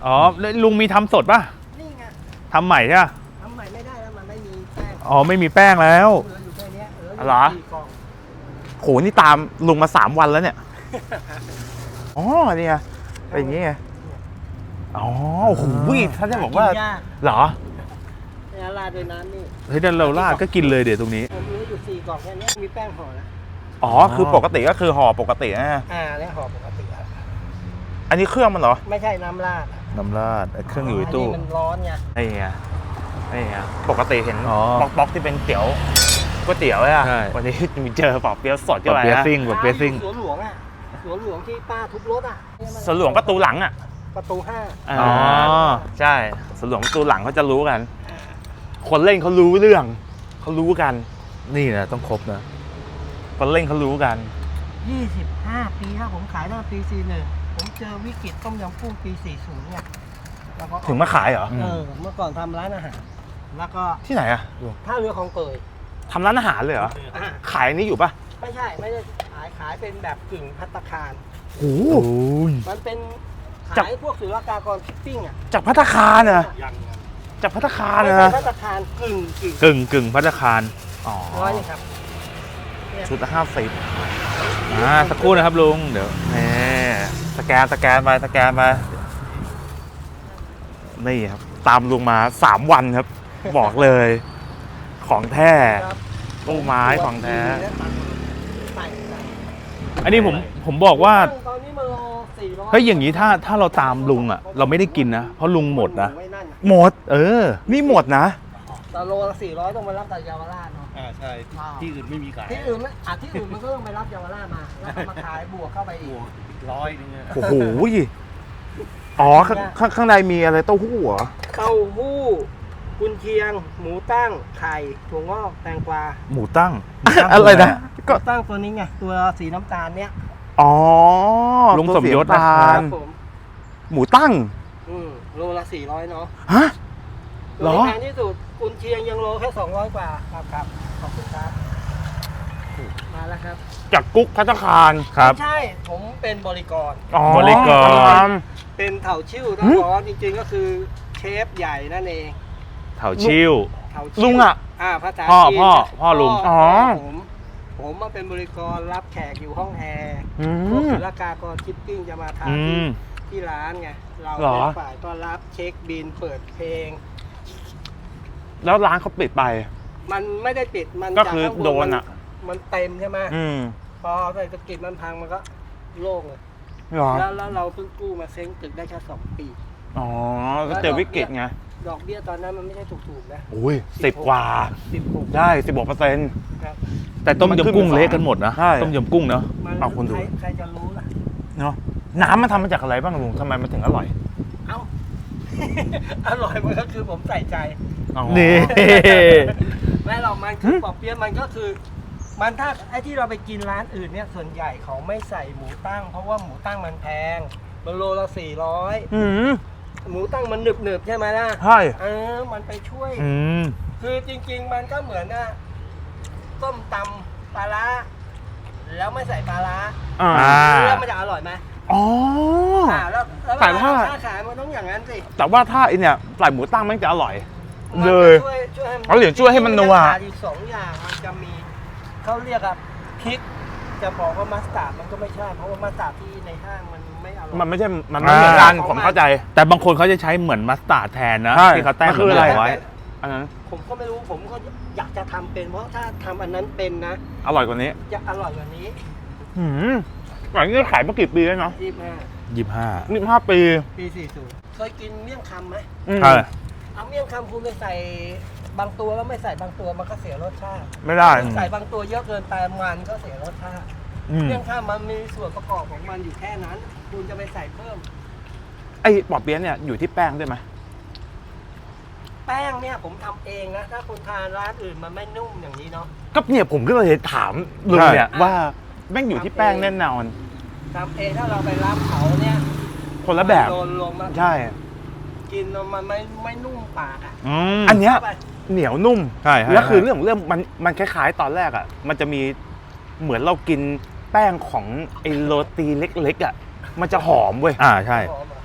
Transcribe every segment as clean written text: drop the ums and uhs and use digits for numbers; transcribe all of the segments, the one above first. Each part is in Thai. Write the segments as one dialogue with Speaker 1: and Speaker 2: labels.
Speaker 1: อ๋อลุงมีทำสดป่ะ
Speaker 2: นี่ไง
Speaker 1: ทำใหม่ใช่ป่ะ
Speaker 2: ทำใหม่ไม่ได้แล้วมันไม่มีแป้ง
Speaker 1: อ๋อไม่มีแป้งแล้ว
Speaker 2: เหลืออยู่แค่นี้
Speaker 1: เหรอโหนี่ตามลุงมา3 วันแล้วเนี่ยอ๋อเนี่ยเป็นอย่างงี้ไงอ๋อโอ้โหท่านจะบอกว่าเหรอ
Speaker 2: เนี่ยราดด้วยน้ำนี่
Speaker 1: เฮ้ยเดินเราราดก็กินเลยเดี๋ยวตรงนี้
Speaker 2: ผมรู้อยู่4 กล่องแค่นี้มีแป้งห่อแล้ว
Speaker 1: อ๋อคือปกติก็คือห่อปกตินะ
Speaker 2: เนี่ยห่อปกติครับ
Speaker 1: อันนี้เครื่องมันเหรอ
Speaker 2: ไม่ใช่น้ำราด
Speaker 1: เครื่องอยู่ในตู้
Speaker 2: มันร้อนไง
Speaker 1: นี่ไงปกติเห็นป๊อกที่เป็นเตี๋ยวก๋วยเตี๋ยวอ่ะวันนี้มีเจอปอกเปี๊ยะสดกันไปนะ
Speaker 2: สวนหลวงอ่ะสวนหลวงที่ป้าทุบรถอ่ะ
Speaker 1: สวนหลวงประตูหลังอ่ะ
Speaker 2: ประตู5
Speaker 1: อ๋อใช่สวนหลวงประตูหลังเขาจะรู้กันคนเล่นเขารู้เรื่องเขารู้กันนี่นะต้องครบนะคนเล่นเขารู้กัน
Speaker 2: 25 ปีครับผมขายตั้งแต่ปี41ผมเจอวิกฤตต้มยำกุ้งปี40เนี่ย
Speaker 1: ถึงมาขายเหรอ
Speaker 2: เมื่อก่อนทำร้านอาหารแล้วก็
Speaker 1: ที่ไหนอะ
Speaker 2: ท่าเรือคลองเตย
Speaker 1: ทำร้านอาหารเลยเหรอขายนี้อยู่ปะ
Speaker 2: ไม่ใช่ขายเป็นแบบกึ่งภัตตาคาร
Speaker 1: โอ้
Speaker 2: มันเป็นขายพวกศุลกากรชิปปิ้งอ่ะ
Speaker 1: จากภัตตาคารเหรอจากภัตตาคารนะ
Speaker 2: ภัตตาคารกึ่ง
Speaker 1: ภัตตาคารอ๋อ
Speaker 2: นี่ครับ
Speaker 1: ชุดละ50สักครู่นะครับลุงเดี๋ยวนี่สแกนไปนี่ครับตามลุงมา3 วันครับบอกเลยของแท้ตู้ไม้ของแท้อันนี้ผมบอกว่าเฮ้ยอย่างนี้ถ้าเราตามลุงอ่ะเราไม่ได้กินนะเพราะลุงหมดนะหมดนี่หมดนะ
Speaker 2: แต่โลละ400ต้องมารับจากเยาวราชเนาะ
Speaker 3: ใช่ที่อื่นไม่มีขาย
Speaker 2: ที่อื่นมันก็ต้องไปรับเยาวราชมาแล้วมาขายบวกเข้าไปอีก
Speaker 3: 100นึง
Speaker 1: โอ้โหอ๋อข้างในมีอะไรเต้าหู้เหรอ
Speaker 2: เต้าหู้กุนเชียงหมูตั้งไข่ถั่วงอกแตงกวา
Speaker 1: หมูตั้งอะไรนะ
Speaker 2: ก็ตั้งตัวนี้ไงตัวสีน้ำตาลเนี้ย
Speaker 1: อ๋อลุงสมยศนะครับหมูตั้ง
Speaker 2: โลละ400เนาะ
Speaker 1: ฮะ
Speaker 2: เหรอแพงที่สุดกุนเชียงยังโลแค่200 กว่าครับขอบคุณครับมาแล้วครับ
Speaker 1: จากกุ๊กภัตตาคารครับ
Speaker 2: ใช่ผมเป็นบริกรเป็นเถาชิ่วต้องบอกว่าจริงๆก็คือเชฟใหญ่นั่นเอง
Speaker 1: เถาชิ่วลุง
Speaker 2: ภาษา
Speaker 1: จีนพ่อลุง
Speaker 2: ผมมาเป็นบริกรรับแขกอยู่ห้องแอร์พวกศุลกากรชิปปิ้งจะมาทานที่ร้านไงเราเป็นฝ่ายต้อนรับเช็คบินเปิดเพลง
Speaker 1: แล้วร้านเขาปิดไป
Speaker 2: มันไม่ได้ปิดมัน
Speaker 1: ก็คือโดน
Speaker 2: มันเต็มใช่ไหมพอเศรษฐกิจมันพังมันก็โล่งเลยแล้วเราเพิ่งกู้มาเซ้งตึกได้แค่2 ปี
Speaker 1: อ๋อก็เจอวิกฤตไง
Speaker 2: ดอกเบี้ยตอนนั้นมันไม่ใช่ถูกๆนะ
Speaker 1: อุ้ย10 กว่าได้16%แต่ต้มยำกุ้งเละกันหมดนะต้มยำกุ้งเนาะ
Speaker 2: เอาคนดูใครจะรู้ล่ะ
Speaker 1: เนาะน้ำมันทำมาจากอะไรบ้างลุงทำไมมันถึงอร่อย
Speaker 2: อร่อยมันก็คือผมใส่ใจ
Speaker 1: นี่
Speaker 2: แม่เรามันคือปอเปี๊ยะมันก็คือมันถ้าไอ้ที่เราไปกินร้านอื่นเนี่ยส่วนใหญ่เขาไม่ใส่หมูตั้งเพราะว่าหมูตั้งมันแพงมันโลละ400หมูตั้งมันหนึบใช่ไหมล่ะ
Speaker 1: ใช่
Speaker 2: มันไปช่วยคือจริงๆมันก็เหมือนต้มตำปลาร้าแล้วไม่ใส่ปลาร้าแล้วมันจะอร่อยไหมแล้วขายมันต้องอย่างนั้นสิ
Speaker 1: แต่ว่าถ้าเนี่ยใส่หมูตั้งมันจะอร่อยเลยเขาเหลือช่วยให้มันนัว
Speaker 2: อีก2 อย่างมันจะมีเขาเรียกพริกจะบอกว่ามัสตาร์ดมันก็ไม่ใช่เพราะว่ามัสตาร์ดที่ในห้างมันไม่อร่อย
Speaker 1: มันไม่ใช่มันไม่เหมือนกันผมเข้าใจแต่บางคนเขาจะใช้เหมือนมัสตาร์ดแทนนะที่เขาแต้มอะไรไว้อันนั้น
Speaker 2: ผมก็ไม่รู้ผมก็อยากจะทำเป็นเพราะถ้าทำอันนั้นเป็นนะ
Speaker 1: อร่อยกว่านี้
Speaker 2: จะอร่อยกว่านี้
Speaker 1: หลังนี้ขายมากี่ปีแล้วเนาะ25 ปี
Speaker 2: 40เคยกินเมี่ยงคำไหม
Speaker 1: ใช่
Speaker 2: เอาเมี่ยงคำคุณไปใส่บางตัวแล้วไม่ใส่บางตัวมันก็เสียรสชาติ
Speaker 1: ไม่ได้
Speaker 2: ใส่บางตัวเยอะเกินไปมันก็เสียรสชาติเมี่ยงคำมันมีส่วนประกอบของมันอยู่แค่นั้นคุณจะไปใส่เพิ่ม
Speaker 1: ไอ้ปอเปี๊ยะเนี่ยอยู่ที่แป้งด้วยไหม
Speaker 2: แป้งเนี่ยผมทำเองนะถ้าคุณทานร้านอื่นมันไม่นุ่มอย่างนี้เนาะ
Speaker 1: ก็เนี่ยผมก็เลยถามลุงเนี่ยว่าแม่งอยู่ที่แป้งแน่นอน
Speaker 2: ทำเองถ้าเราไปรับเขาเนี่ย
Speaker 1: คนละแบบใช่
Speaker 2: กินมันไม่นุ่มปาก
Speaker 1: อันเนี้ยเหนียวนุ่มใช่แล้วคือเรื่องมันคล้ายๆตอนแรกมันจะมีเหมือนเรากินแป้งของไอ้โรตีเล็กๆมันจะหอมเว้ยใช่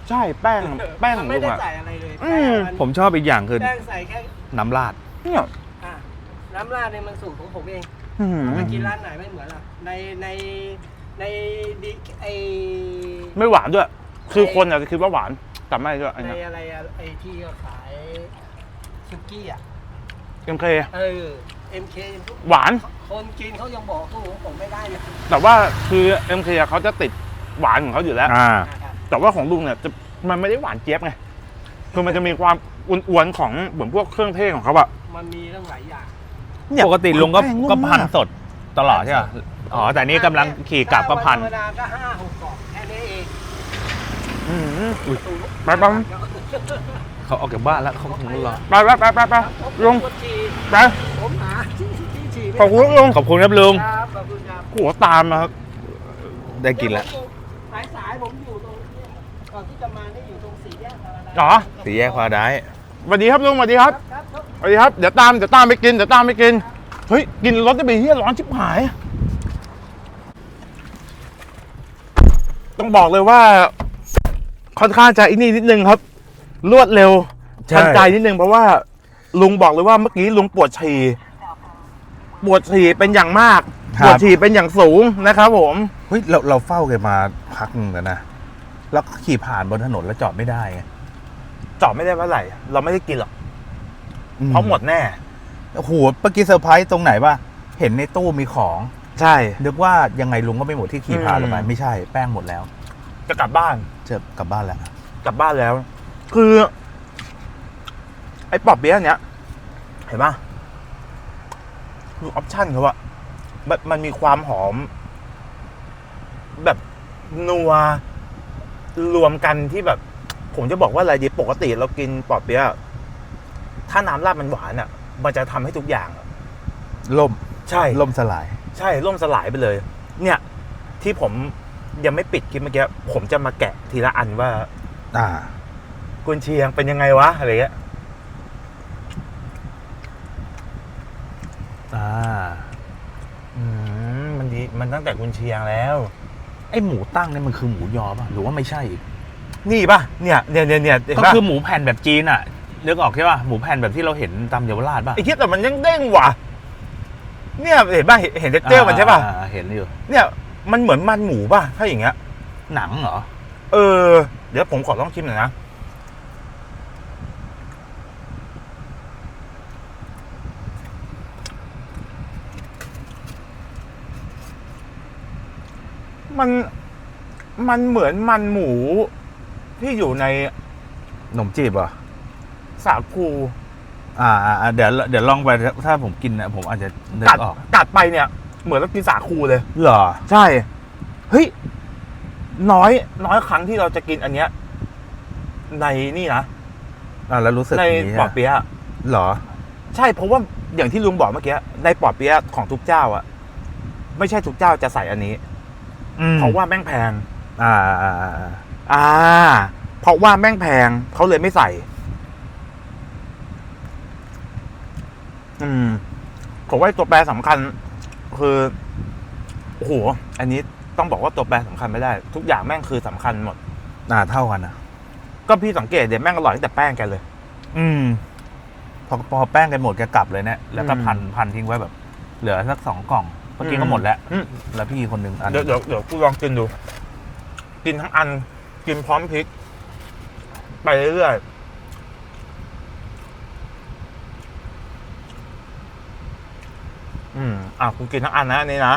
Speaker 1: ใช่แป้งข
Speaker 2: มั
Speaker 1: อน ง
Speaker 2: ไม่
Speaker 1: ลุง
Speaker 2: ได้
Speaker 1: อะ
Speaker 2: ใส่อะไรเลย
Speaker 1: อื
Speaker 2: แป้ง
Speaker 1: ม
Speaker 2: มัน
Speaker 3: ผมชอบอีกอย่างคือ
Speaker 2: แป้งใส่แค่
Speaker 3: น้ำราด
Speaker 1: เนี่ย
Speaker 2: อ่ะน้ำราดเนี่ยมันสูตรของผมเอง
Speaker 1: อื้อหือ
Speaker 2: ไปกินร้านไหนไม่เหมือนหรอกในดิไอ
Speaker 1: ไม่หวานด้วย คือคนอาจจะคิดว่าหวานแต่ไม่ด้วยอัน
Speaker 2: ใน
Speaker 1: เนี้ย
Speaker 2: อะไรอะไอที่เขาขายซุกี้อ่ะ
Speaker 1: MK
Speaker 2: MK
Speaker 1: หวาน
Speaker 2: คนกินเขายังบอกสู้ของผมไม่ได้เลย
Speaker 1: แต่ว่าคือ MK เขาจะติดหวานของเขาอยู่แล้ว แต่ว่าของลุงเนี่ยจะมันไม่ได้หวานเจี๊ยบไง คือมันจะมีความอ้วนๆของเหมือนพวกเครื่องเทศของเขาอะ
Speaker 2: มันมีตั้งหลายอย่าง
Speaker 1: เนี่ย
Speaker 3: ปกติลุงก็
Speaker 1: แป้งนุ่ม
Speaker 3: ก็พัน
Speaker 1: มาก
Speaker 3: สดตลอดใช่ป่ะอ๋อแต่นี่กำลังขี่กลับก็พัน
Speaker 2: ธรรมดาก็5-6กล่องแค่นี้เอง
Speaker 1: อื้อหือ
Speaker 3: อุ๊ย
Speaker 1: ไปไป
Speaker 3: เขาออกจากบ้านแล้วเขาคงรอ
Speaker 1: ไปลุงไป
Speaker 2: ผมหาที่ฉี่
Speaker 1: ขอบคุณลุง
Speaker 3: ขอบคุณครับลุง
Speaker 2: ครับขอบคุณครับ
Speaker 1: หัวตามมาครับ
Speaker 3: ได้กินแล้ว
Speaker 2: สายผมอยู่ตรงนี้ก่อนที่จะมาได้อยู่ตรงสี่แยกอะไร
Speaker 1: อ๋อ
Speaker 3: สี่แยกพาได้
Speaker 1: สวัสดีครับลุงสวัสดีครับ
Speaker 2: ครับ
Speaker 1: สวัสดีครับเดี๋ยวตามไปกินเฮ้ยกินรถได้ไปเฮียร้อนชิบหาย ต้องบอกเลยว่าค่อนข้างจะอินี่นิดนึงครับ รวดเร็ว
Speaker 3: ใช่
Speaker 1: ทันใจนิดนึงเพราะว่าลุงบอกเลยว่าเมื่อกี้ลุงปวดฉี่เป็นอย่างมากปวดฉี่เป็นอย่างสูงนะครับผม
Speaker 4: เฮ้ยเราเฝ้าแกมาพักหนึงแล้วนะ แล้วขี่ผ่านบนถนนแล้วจอดไม่ได้ไง
Speaker 1: จอดไม่ได้เมื่อไหร่เราไม่ได้กินหรอกเพราะหมดแน่
Speaker 4: โอ้โหเมื่อกี้เซอร์ไพรส์ตรงไหนวะเห็นในตู้มีของ
Speaker 1: ใช่
Speaker 4: นึกว่ายังไงลุงก็ไม่หมดที่ขี่ผ่านลงไป
Speaker 1: อืม
Speaker 4: ไม่ใช่แป้งหมดแล้ว
Speaker 1: จะกลับบ้าน
Speaker 4: จะกลับบ้านแล้ว
Speaker 1: กลับบ้านแล้ว คือ ไอ้ปอบเบี้ยเนี้ยเห็นปะคือออปชั่นเขาอะมันมีความหอม แบบนัวรวมกันที่แบบ ผมจะบอกว่าอะไรดีปกติเรากินปอบเบี้ยถ้าน้ำราดมันหวานอะมันจะทำให้ทุกอย่าง
Speaker 4: ล่ม
Speaker 1: ใช่
Speaker 4: ล่มสลาย
Speaker 1: ใช่ล่มสลายไปเลย เนี่ย ที่ผมยังไม่ปิดคลิปเมื่อกี้ผมจะมาแกะทีละอันว่า
Speaker 4: อ่า
Speaker 1: กุนเชียงเป็นยังไงวะอะไรเงี้ย
Speaker 4: อ่า
Speaker 1: มันดีมันตั้งแต่กุนเชียงแล้ว
Speaker 4: ไอหมูตั้งเนี่ยมันคือหมูยอป่ะหรือว่าไม่ใช่อีก
Speaker 1: นี่ป่ะเนี่ยเห็น
Speaker 3: ก็
Speaker 1: ป่ะ
Speaker 3: คือหมูแผ่นแบบจีนอ่ะนึกออกใช่ป่ะหมูแผ่นแบบที่เราเห็นตามเยาวราชป่ะ
Speaker 1: ไอ้คิดแต่มันยังเด้งว่ะเนี่ยเห็นป่ะเห็นเท็กเจอร์มันใช่ป่ะ
Speaker 3: เห็นอยู่
Speaker 1: เนี่ยมันเหมือนมันหมูป่ะถ้าอย่างเงี้ย
Speaker 3: หนังเหรอ
Speaker 1: เดี๋ยวผมขอลองชิมหน่อยนะมันเหมือนมันหมูที่อยู่ใน
Speaker 4: ขนมจีบเหรอ
Speaker 1: สาคู
Speaker 4: เดี๋ยวลองไปถ้าผมกินนะผมอาจจะนึกออก
Speaker 1: กัดไปเนี่ย เหมือนเรากินสาคูเลย
Speaker 4: เหรอ
Speaker 1: ใช่ เฮ้ย น้อยครั้งที่เราจะกินอันเนี้ย ในนี่นะ
Speaker 4: แล้วรู้สึก
Speaker 1: ใน
Speaker 4: อย่างนี้
Speaker 1: ปอเปี๊ยะ
Speaker 4: เหรอ
Speaker 1: ใช่เพราะว่าอย่างที่ลุงบอกเมื่อกี้ในปอเปี๊ยะของทุกเจ้าอะไม่ใช่ทุกเจ้าจะใส่อันนี้ เพราะว่าแม่งแพง เพราะว่าแม่งแพงเขาเลยไม่ใส่ ผมว่าตัวแปรสำคัญ คือโอ้โหอันนี้ต้องบอกว่าตัวแปรสำคัญไม่ได้ ทุกอย่างแม่งคือสำคัญหมด
Speaker 4: เท่ากันนะ
Speaker 1: ก็พี่สังเกตเดี๋ยวแม่งอร่อยตั้งแต่แป้งแกเลย
Speaker 4: พอแป้งกันหมดแกกลับเลยเนี่ยแล้วก็
Speaker 1: อืม
Speaker 4: พันทิ้งไว้แบบ เหลือสัก2 กล่องเมื่อกี้ก็หมดแล้ว
Speaker 1: อืม
Speaker 4: แล้วพี่คนหนึ่งอัน
Speaker 1: เดี๋ยวกูลองกินดู กินทั้งอัน กินพร้อมพริก ไปเรื่อยๆกูกินทั้งอันนะอันนี้นะ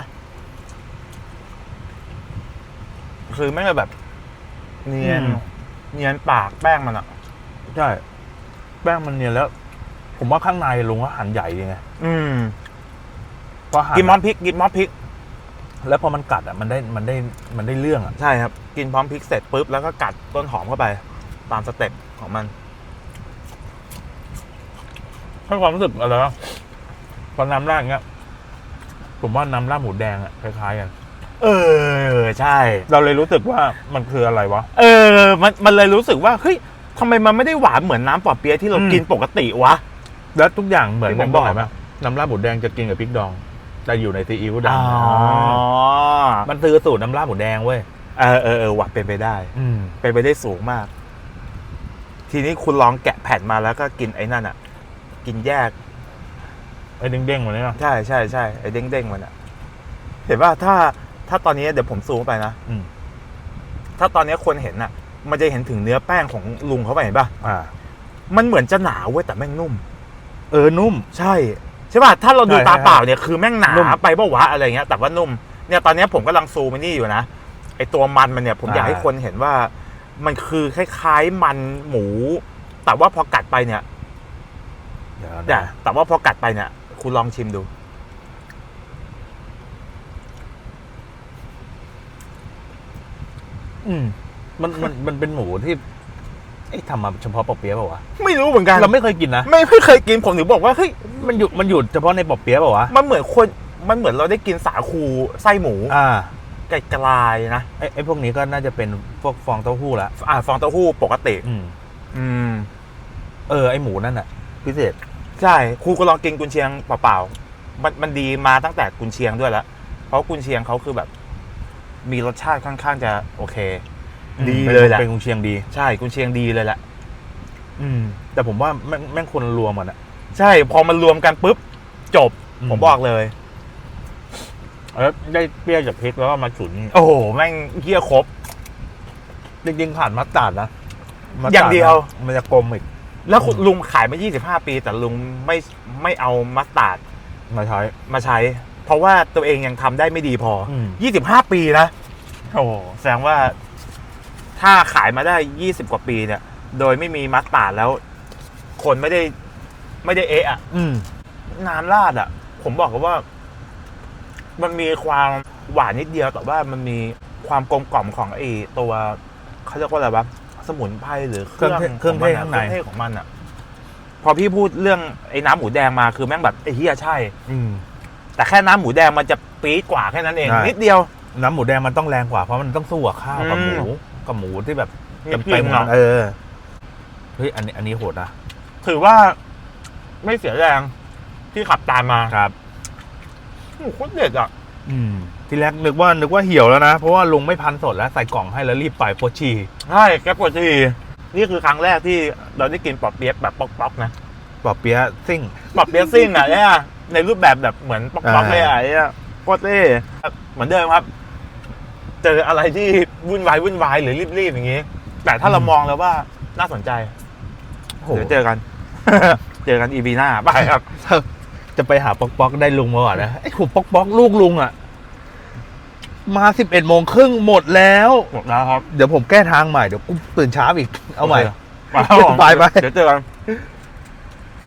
Speaker 1: คือไม่ได้แบบ เนียนปากแป้งมันอ่ะ
Speaker 4: ใช่แป้งมันเนียนแล้ว ผมว่าข้างในลุงก็หั่นใหญ่ยังไง
Speaker 1: พอกินพร้อมพริกกินพร้อมพริก
Speaker 4: แล้วพอมันกัดอ่ะมันได้เรื่องอ่ะ
Speaker 1: ใช่ครับ กินพร้อมพริกเสร็จปุ๊บแล้วก็กัดต้นหอมเข้าไป ตามสเต็ปของมัน
Speaker 4: ให้ความรู้สึกอะไรวะพอน้ำราดอย่างเงี้ยผมว่าน้ำราดหมูแดงอ่ะคล้ายๆกัน
Speaker 1: ใช่
Speaker 4: เราเลยรู้สึกว่ามันคืออะไรวะ
Speaker 1: มันเลยรู้สึกว่าเฮ้ยทำไมมันไม่ได้หวานเหมือนน้ำปอเปี๊ยะที่เรากินปกติวะ
Speaker 4: แล้วทุกอย่างเหมือน
Speaker 1: ที่
Speaker 4: ผ
Speaker 1: ผม
Speaker 4: มบอก
Speaker 1: บอก
Speaker 4: ไหมน้ำราดหมูแดงจะกินกับพริกดอง แต่อยู่ในซีอิ๊วด
Speaker 1: อ๋อ
Speaker 4: ำมันคือสูตรน้ำราดหมูแดงเว้ย
Speaker 1: หวัดเป็นไปได้
Speaker 4: อืม
Speaker 1: เป็นไปได้สูงมากทีนี้คุณลองแกะแผ่นมาแล้วก็กินไอ้นั่นอ่ะ กินแยก
Speaker 4: ไอ้เด้งๆมาเนี่ย
Speaker 1: ใช่ใช่ใช่ไอ้เด้งๆมันอ่ะ เห็นว่าถ้าตอนนี้เดี๋ยวผมซูมไปนะ
Speaker 4: อืม
Speaker 1: ถ้าตอนนี้คนเห็นอ่ะ มันจะเห็นถึงเนื้อแป้งของลุงเขาไปเห็นป่ะ มันเหมือนจะหนาเว้ยแต่แม่งนุ่ม
Speaker 4: นุ่ม
Speaker 1: ใช่ใช่ป่ะถ้าเราดู
Speaker 4: ใช่
Speaker 1: ตา
Speaker 4: ใช่
Speaker 1: เปล่าเนี่ยคือแม่งหนา
Speaker 4: นุ่ม
Speaker 1: ไปปะวะอะไรเงี้ยแต่ว่านุ่มเนี่ยตอนนี้ผมกำลังซูมมันนี่อยู่นะไอตัวมันเนี่ยผมอยากให้คนเห็นว่า มันคือคล้ายๆมันหมู แต่ว่าพอกัดไปเนี่ยแต่ว่าพอกัดไปเนี่ย คุณลองชิมดู
Speaker 4: มันเป็นหมูที่ทำมาเฉพาะปอเปี๊ยะเปล่าวะ
Speaker 1: ไม่รู้เหมือนกัน
Speaker 4: เราไม่เคยกินนะ
Speaker 1: ไม่เคยกินผมถึงบอกว่าเฮ้ย
Speaker 4: มันอยู่เฉพาะในปอเปี๊ยะเปล่าวะ
Speaker 1: มันเหมือนเราได้กินสาคูไส้หมูไก่กลายนะ
Speaker 4: ไอ้พวกนี้ก็น่าจะเป็นพวกฟองเต้าหู้ละ
Speaker 1: ฟองเต้าหู้ปกติ
Speaker 4: ไอ้หมูนั่นอ่ะ พิเศษ
Speaker 1: ใช่ครูก็ลองกินกุนเชียงเปล่าๆมันดีมาตั้งแต่กุนเชียงด้วยแล้วเพราะกุนเชียงเขาคือแบบ มีรสชาติค่อนข้างจะโอเค ดีเลยแหละ
Speaker 4: เป็นกุนเชียงดี
Speaker 1: ใช่กุนเชียงดีเลยแหละ
Speaker 4: แต่ผมว่าแม่งคนรวมกันอ่ะ
Speaker 1: ใช่พอมันรวมกันปุ๊บจบ ผมบอกเลย
Speaker 4: แล้วได้เปรี้ยวจากพริกแล้วก็มาฉุน
Speaker 1: โอ้โหแม่งเหี้ยครบ
Speaker 4: จริงๆผ่านมัสตาร์ดนะมัสตร์
Speaker 1: อย่างเดียว
Speaker 4: มันจะกลมอีก
Speaker 1: แล้วคุณลุงขายมา25 ปีแต่ลุงไม่เอามัสตาร์ด
Speaker 4: มาใช้
Speaker 1: มาใช้ เพราะว่าตัวเองยังทำได้ไม่ดีพอ
Speaker 4: อืม
Speaker 1: 25 ปีนะโอ้โหแสดงว่า ถ้าขายมาได้20 กว่าปีเนี่ย โดยไม่มีมัสตาร์ดแล้ว คนไม่ได้เอะอะน้ำราดอ่ะ ผมบอกกันว่า มันมีความหวานนิดเดียวแต่ว่ามันมีความกลมกล่อมของไอ้ตัวเขาเรียกว่าอะไรวะสมุนไพรหรือเครื่อง
Speaker 4: เครื่องเทศข้างใน
Speaker 1: เครื่องเทศของมันอ่ะ พอพี่พูดเรื่องไอ้น้ำหมูแดงมาคือแม่งแบบไอ้เฮียใช่ แต่แค่น้ำหมูแดงมันจะปี๊ดกว่าแค่นั้นเอง
Speaker 4: ใช่
Speaker 1: นิดเดียว
Speaker 4: น้ำหมูแดงมันต้องแรงกว่าเพราะมันต้องสู้กับข้าวกับหมูที่แบบ
Speaker 1: จริงๆ
Speaker 4: เต็มๆ
Speaker 1: อะ
Speaker 4: อะเฮ้ยอันนี้โหดนะ
Speaker 1: ถือว่าไม่เสียแรงที่ขับตามมา
Speaker 4: ครับ
Speaker 1: โอ้โหโคตรเด็ดอ่ะ
Speaker 4: ทีแรกนึกว่าเหี่ยวแล้วนะเพราะว่าลุงไม่พันสดแล้วใส่กล่องให้แล้วรีบไปโพชี
Speaker 1: ใช่แกปวดทีนี่คือครั้งแรกที่เราได้กินปอบเปี๊ยะแบบป๊อกๆนะ
Speaker 4: ปอเปี๊ยะซิ่ง
Speaker 1: ปอบเปี๊ยะซิ่งอ่ะเนี่ยในรูปแบบเหมือนป๊อกๆเลยอ่ะเนี่ยโคตรเท่เหมือนเดิมครับ เจออะไรที่วุ่นวายหรือรีบๆอย่างนี้ แต่ถ้าเรามองแล้วว่าน่าสนใจเดี๋ยวเจอกัน เจอกันอีพีหน้าไปครับ
Speaker 4: จะไปหาป๊อกได้ลุงมาก่อนนะไอ้หัวป๊อกลูกลุงอ่ะมา11:30หมดแล้ว
Speaker 1: หมดแล้วครับ
Speaker 4: เดี๋ยวผมแก้ทางใหม่เดี๋ยวกูตื่นเช้าอีกเอาใหม่
Speaker 1: ไป
Speaker 4: ไป
Speaker 1: เดี๋ยวเจอกัน